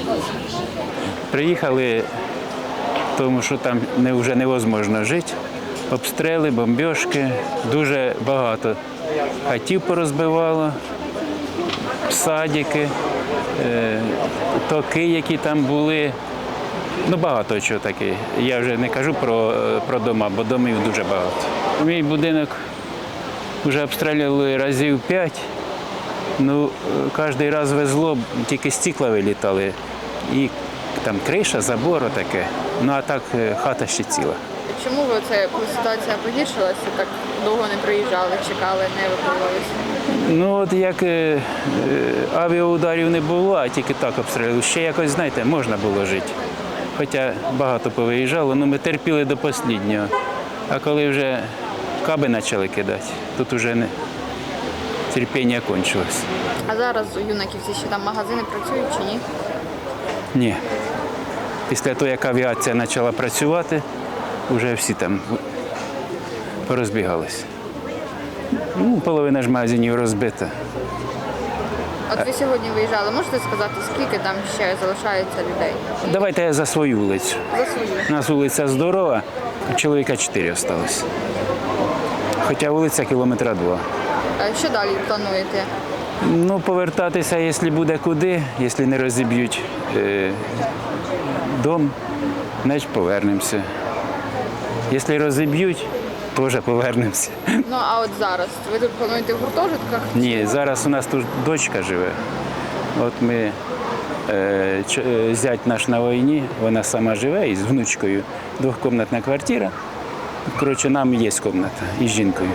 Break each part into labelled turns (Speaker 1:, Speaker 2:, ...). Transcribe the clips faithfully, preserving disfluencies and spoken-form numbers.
Speaker 1: Приїхали, тому що там не, вже невозможно жити. Обстріли, бомбіжки, дуже багато хатів порозбивало, садики, е, токи, які там були. Ну, багато чого таке. Я вже не кажу про, про дома, бо домів дуже багато. Мій будинок вже обстрілювали разів п'ять. Ну, кожен раз везло, тільки стекла вилітали. І там криша, забор таке. Ну, а так хата ще ціла.
Speaker 2: Чому ви це, коли ситуація погіршилася, так довго не приїжджали, чекали, не евакуювалися?
Speaker 1: Ну, от як е, авіаударів не було, а тільки так обстрілювали. Ще якось, знаєте, можна було жити. Хоча багато повиїжджало, але ми терпіли до останнього. А коли вже каби почали кидати, тут вже не, терпіння кончилось.
Speaker 2: А зараз у Юнаківці ще там магазини працюють чи ні?
Speaker 1: Ні. Після того, як авіація почала працювати, вже всі там порозбігалися. Ну, половина ж магазинів розбита.
Speaker 2: От ви сьогодні виїжджали, можете сказати, скільки там ще залишається людей?
Speaker 1: Давайте я за свою вулицю.
Speaker 2: За свою.
Speaker 1: У нас вулиця здорова, а чоловіка чотири залишилось. Хоча вулиця кілометра два.
Speaker 2: А що далі плануєте?
Speaker 1: Ну, повертатися, якщо буде куди, якщо не розіб'ють е, дом, значить повернемося. Якщо розіб'ють, теж повернемося.
Speaker 2: Ну, а от зараз? Ви тут плануєте в гуртожитках?
Speaker 1: Ні, зараз у нас тут дочка живе. От ми, е, ч- е, зять наш на війні, вона сама живе із внучкою, двохкомнатна квартира. Коротше, нам є кімната із жінкою.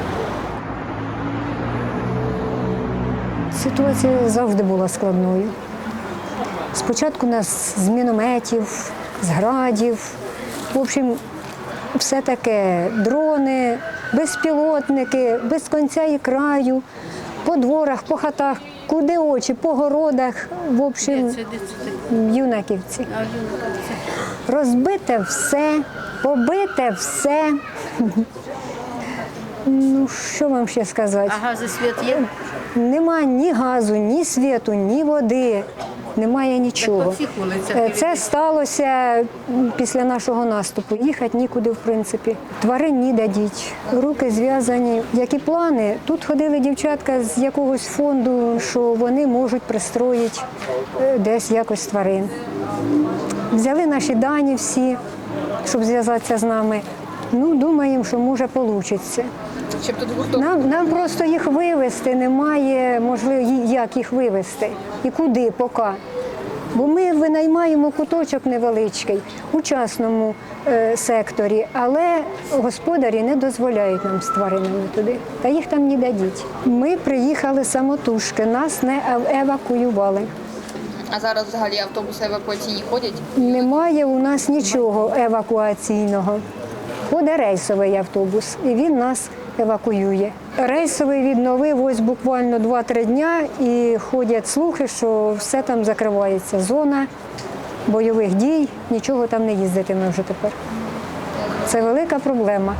Speaker 3: Ситуація завжди була складною. Спочатку нас з мінометів, з градів, в общем, все таке дрони, безпілотники, без кінця і краю, по дворах, по хатах, куди очі, по городах, в общем, в Юнаківці. Розбите все, побите все. Ну, що вам ще сказати?
Speaker 4: А газ і світ є?
Speaker 3: Нема ні газу, ні світу, ні води, немає нічого.
Speaker 4: по всіх вулицях
Speaker 3: Е, Це сталося після нашого наступу. Їхати нікуди, в принципі. Тварин ніде діть, руки зв'язані. Які плани? Тут ходили дівчатка з якогось фонду, що вони можуть пристроїти е, десь якось тварин. Взяли наші дані всі, щоб зв'язатися з нами. Ну, думаємо, що може вийде.
Speaker 2: Щоб тут гуртожиток?
Speaker 3: Нам, нам просто їх вивезти немає, можливо, як їх вивезти і куди, поки. Бо ми винаймаємо куточок невеличкий у частному е, секторі, але господарі не дозволяють нам з тваринами туди, та їх там ніде діть. Ми приїхали самотужки, нас не ев- евакуювали.
Speaker 2: А зараз взагалі автобуси евакуаційні ходять?
Speaker 3: Немає у нас нічого евакуаційного. Ходить рейсовий автобус, і він нас евакуює. Рейсовий відновив ось буквально два-три дня, і ходять слухи, що все там закривається. Зона бойових дій, нічого там не їздитиме вже тепер. Це велика проблема.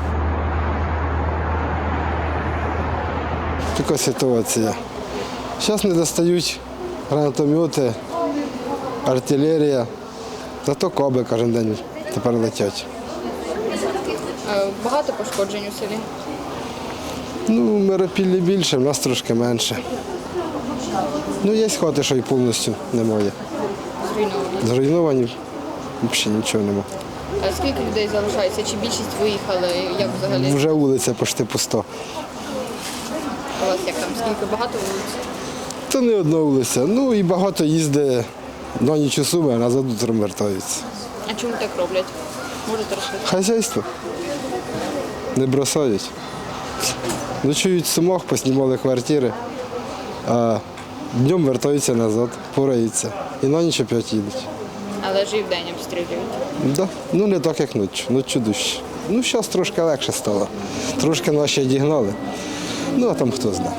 Speaker 5: Така ситуація. Зараз не достають гранатомети, артилерія, зато каби кожен день тепер летять.
Speaker 2: Е, Багато пошкоджень у селі?
Speaker 5: Ну, Миропіллі більше, в нас трошки менше. Ну, є хати, що й повністю немає.
Speaker 2: Зруйновані.
Speaker 5: Зруйновані, взагалі нічого немає.
Speaker 2: А скільки людей залишається? Чи більшість виїхали? Як взагалі?
Speaker 5: Вже вулиця почти пуста.
Speaker 2: У вас як там? Скільки? Багато вулиць?
Speaker 5: Та не одна вулиця. Ну і багато їздить на ніч у Суми, а назад утром вертаються.
Speaker 2: А чому так роблять? Можете розповісти?
Speaker 5: Хазяйство. Не бросають. Ночують в Сумах, поснімали квартири, а днем вертаються назад, пораються. І на ніч опять їдуть.
Speaker 2: Але ж і вдень обстрілюють.
Speaker 5: Да. Ну не так, як ночі, ночі дужче. Ну, зараз трошки легше стало. Трошки наші дігнали. Ну, а там хто знає.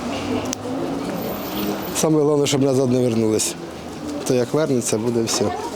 Speaker 5: Саме головне, щоб назад не вернулися. То як вернеться, буде все.